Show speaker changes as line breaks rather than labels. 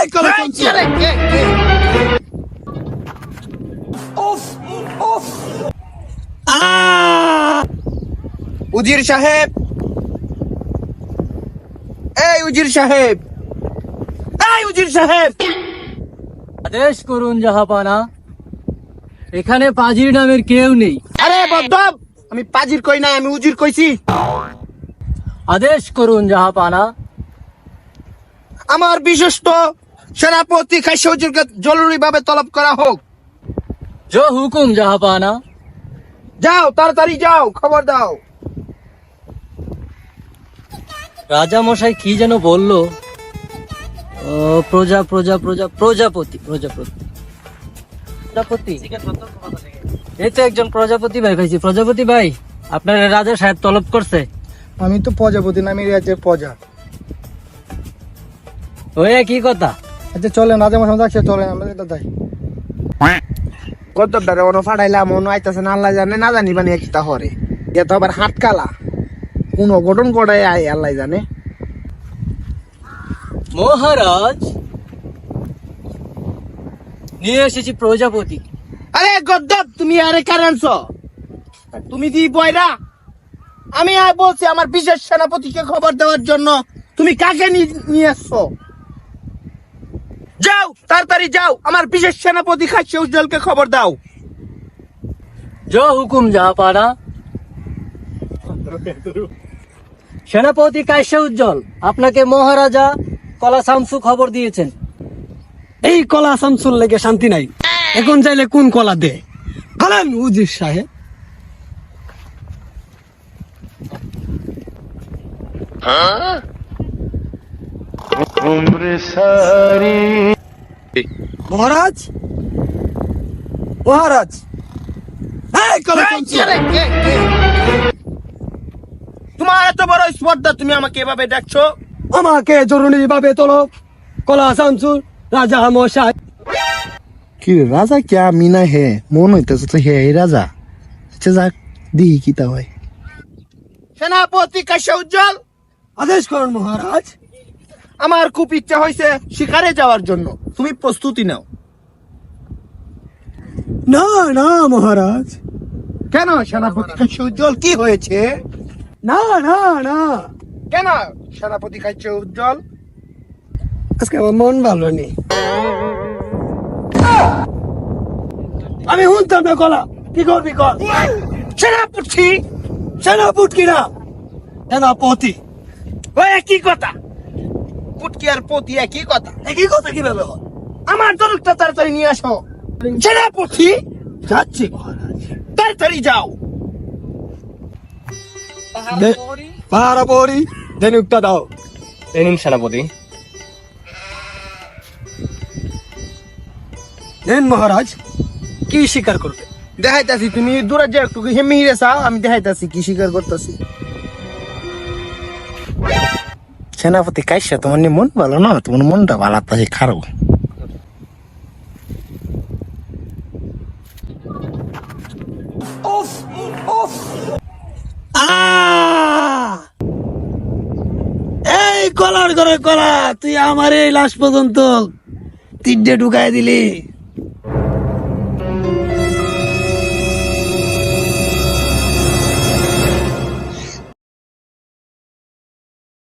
উজির সাহেব, এই উজির সাহেব, এই উজির সাহেব,
আদেশ করুন জাহাপানা। এখানে পাজির নামের কেউ নেই।
আরে বদ্ধব, আমি পাজির কই নাই, আমি উজির কইছি।
আদেশ করুন জাহাপানা।
আমার বিশ্বস্ত সেনাপতি খাইছে উজিরকে জরুরি ভাবে তলব করা হোক।
জো হুকুম জাহাপানা।
যাও, তাড়াতাড়ি যাও, খবর দাও।
রাজা মশাই কি যেন বললো? প্রজাপতি। এই তো একজন প্রজাপতি ভাই পাইছি। প্রজাপতি ভাই, আপনার রাজা সাহেব তলব করছে।
আমি তো প্রজাপতি নামের রাজ্যের প্রজা।
ওই কি কথা?
আচ্ছা চলেন, রাজা মশাই যাচ্ছে, চলেন আমরা এটা যাই।
কত ডারে অন ফাড়াইলাম, অন আইতাছে না, আল্লাহ জানে, না জানি বানি একটা হরে। এ তো আবার হাটকালা, কোন অঘটন করে আয় আল্লাহ জানে।
মহারাজ, নিয়ে এসেছি প্রজাপতি।
আরে গদ্দপ, তুমি আরে কারে আনছো? তুমি দি বয়রা? আমি আর বলছি আমার বিশেষ সেনাপতিকে খবর দেওয়ার জন্য, তুমি কাকে নিয়ে আসছো? যাও, তাড়াতাড়ি যাও, আমার বিশেষ সেনাপতি খাচ্ছে উজ্জ্বলকে খবর দাও।
জো হুকুম জাহাপানা। সেনাপতি কাইসা উজ্জ্বল, আপনাকে মহারাজা কলা শামসু খবর দিয়েছেন।
এই কলা শামসুর লেগে শান্তি নাই, এখন চাইলে কোন কলা দে খালেন উজির সাহেব। মহারাজ, মহারাজ, এই কলা শামসু।
তোমার এত বড় স্পর্ধা, তুমি আমাকে এভাবে ডাকছো?
আমাকে জরুরি ভাবে তলব কলা শামসুর রাজা মশাই।
কি রে, রাজা কে আমি না হে? মন হইতেছে তো হে রাজা। আচ্ছা যাক, দিই কি তা হয়।
সেনাপতি কাশ্যা উজ্জ্বল,
আদেশ করুন মহারাজ।
আমার খুব ইচ্ছা হয়েছে শিকারে যাওয়ার জন্য, তুমি প্রস্তুতি নাও।
না না মহারাজ,
কেন সেনাপতি কাশ্যা উজ্জ্বল, কি হয়েছে?
না না না,
কেন সেনাপতি কাশ্যা উজ্জ্বল?
আজকে আমার মন ভালো নেই। আমি শুনতাম না কলা, কি করবি কর।
সেনাপতি,
সেনাপুটকি না, সেনাপতি।
ওই একই কথা, পুটকি আর পতি একই কথা।
একই কথা কিভাবে হয়?
আমার দলটা তাড়াতাড়ি নিয়ে আসো। সেনাপতি,
যাচ্ছি মহারাজ।
তাড়াতাড়ি যাও।
পাহারা পরি ধনুকটা দাও।
এই নিন সেনাপতি।
নেন মহারাজ, কি স্বীকার করবে?
দেখাইতাছি, তুমি দূরে যে একটু মিহিরে চাও, আমি দেখাইতাছি কি স্বীকার করতেছি।
সেনাপতি কাইসা, তোমার নিয়ে মন ভালো না? তোমার মনটা ভালো আছে, খারাপ।
এই কলার ঘরে কলা, তুই আমার এই লাশ পর্যন্ত তিনটে ঢুকাই দিলি।